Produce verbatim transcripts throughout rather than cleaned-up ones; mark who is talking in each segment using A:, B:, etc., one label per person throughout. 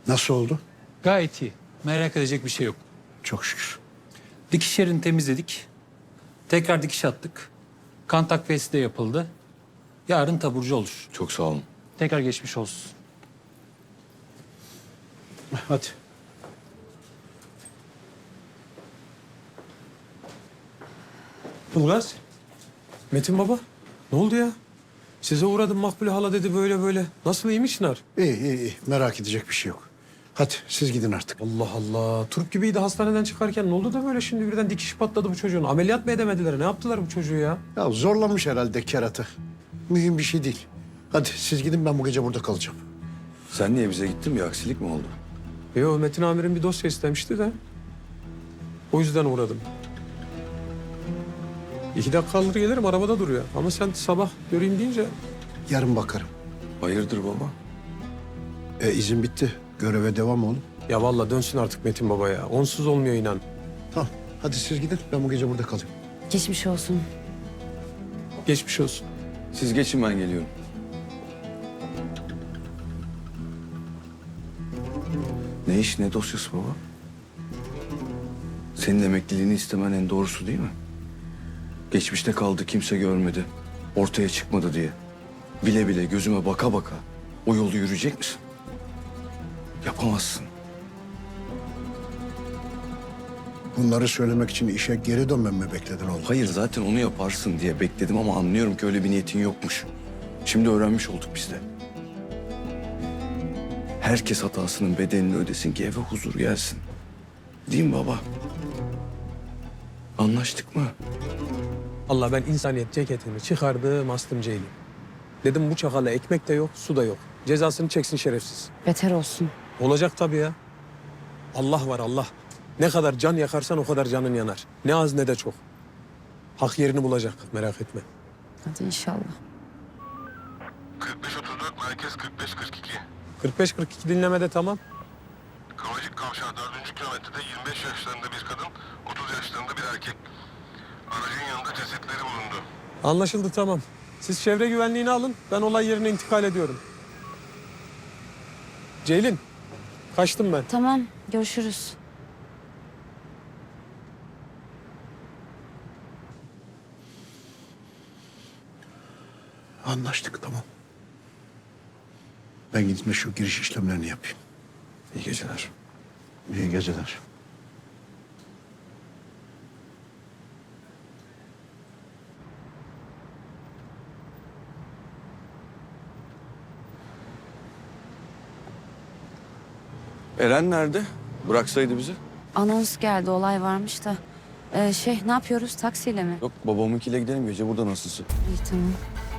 A: Nasıl oldu?
B: Gayet iyi. Merak edecek bir şey yok.
A: Çok şükür.
B: Dikiş yerini temizledik. Tekrar dikiş attık. Kan takviyesi de yapıldı. Yarın taburcu olur.
C: Çok sağ olun.
B: Tekrar geçmiş olsun.
A: Hadi.
D: Ilgaz. Metin baba. Ne oldu ya? Size uğradım Makbule hala dedi böyle böyle. Nasıl iyiymiş Çınar?
A: İyi iyi iyi. Merak edecek bir şey yok. Hadi siz gidin artık.
D: Allah Allah. Turp gibiydi hastaneden çıkarken. Ne oldu da böyle şimdi birden dikiş patladı bu çocuğun? Ameliyat mı edemediler? Ne yaptılar bu çocuğu ya?
A: Ya zorlamış herhalde kerata. Mühim bir şey değil. Hadi siz gidin, ben bu gece burada kalacağım.
C: Sen niye bize gittin? Bir aksilik mi oldu?
D: Yo, Metin amirim bir dosya istemişti de. O yüzden uğradım. İki dakika alır gelirim, arabada duruyor. Ama sen sabah göreyim deyince...
A: Yarın bakarım.
C: Hayırdır baba?
A: E izin bitti. Göreve devam oğlum.
D: Ya vallahi dönsün artık Metin baba ya. Onsuz olmuyor inan.
A: Tamam. Hadi siz gidin. Ben bu gece burada kalayım.
E: Geçmiş olsun.
D: Geçmiş olsun.
C: Siz geçin, ben geliyorum. Ne iş, ne dosyası baba? Senin emekliliğini istemen en doğrusu değil mi? Geçmişte kaldı, kimse görmedi. Ortaya çıkmadı diye. Bile bile gözüme baka baka o yolu yürüyecek misin? Yapamazsın.
A: Bunları söylemek için işe geri dönmem mi bekledin oğlum?
C: Hayır, zaten onu yaparsın diye bekledim ama anlıyorum ki öyle bir niyetin yokmuş. Şimdi öğrenmiş olduk biz de. Herkes hatasının bedelini ödesin ki eve huzur gelsin. Değil mi baba? Anlaştık mı?
D: Allah, ben insaniyet ceketimi çıkardım, astım Ceylin. Dedim bu çakala ekmek de yok, su da yok. Cezasını çeksin şerefsiz.
E: Beter olsun.
D: Olacak tabii ya. Allah var Allah. Ne kadar can yakarsan o kadar canın yanar. Ne az ne de çok. Hak yerini bulacak, merak etme.
E: Hadi inşallah.
F: kırk beş otuz dört merkez kırk beş kırk iki.
D: kırk beş kırk iki dinlemede tamam.
F: Kavacık Kavşağı dördüncü kilometrede yirmi beş yaşlarında bir kadın, otuz yaşlarında bir erkek. Aracın yanında cesetleri bulundu.
D: Anlaşıldı tamam. Siz çevre güvenliğini alın, ben olay yerine intikal ediyorum. Ceylin, kaçtım ben.
E: Tamam, görüşürüz.
A: Anlaştık, tamam. Ben gidip şu giriş işlemlerini yapayım.
C: İyi geceler.
A: İyi geceler.
C: Eren nerede? Bıraksaydı bizi.
E: Anons geldi, olay varmış da. Ee, şey, ne yapıyoruz? Taksiyle mi?
C: Yok, babamınkiyle gidelim, gece burada nasılsın?
E: İyi, tamam.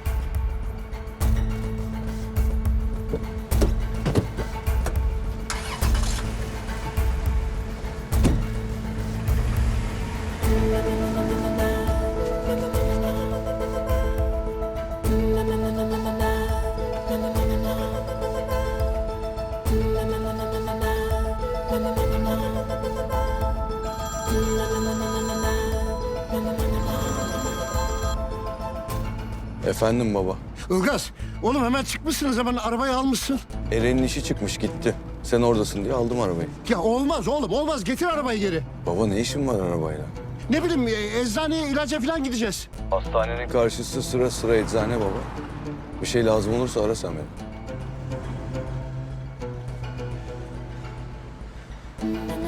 C: Efendim baba.
A: Ilgaz, oğlum hemen çıkmışsınız, hemen arabayı almışsın.
C: Eren'in işi çıkmış, gitti. Sen oradasın diye aldım arabayı.
A: Ya olmaz oğlum, olmaz. Getir arabayı geri.
C: Baba, ne işin var arabayla?
A: Ne bileyim, e, eczaneye, ilaca falan gideceğiz.
C: Hastanenin karşısı sıra sıra eczane baba. Bir şey lazım olursa ara sen beni.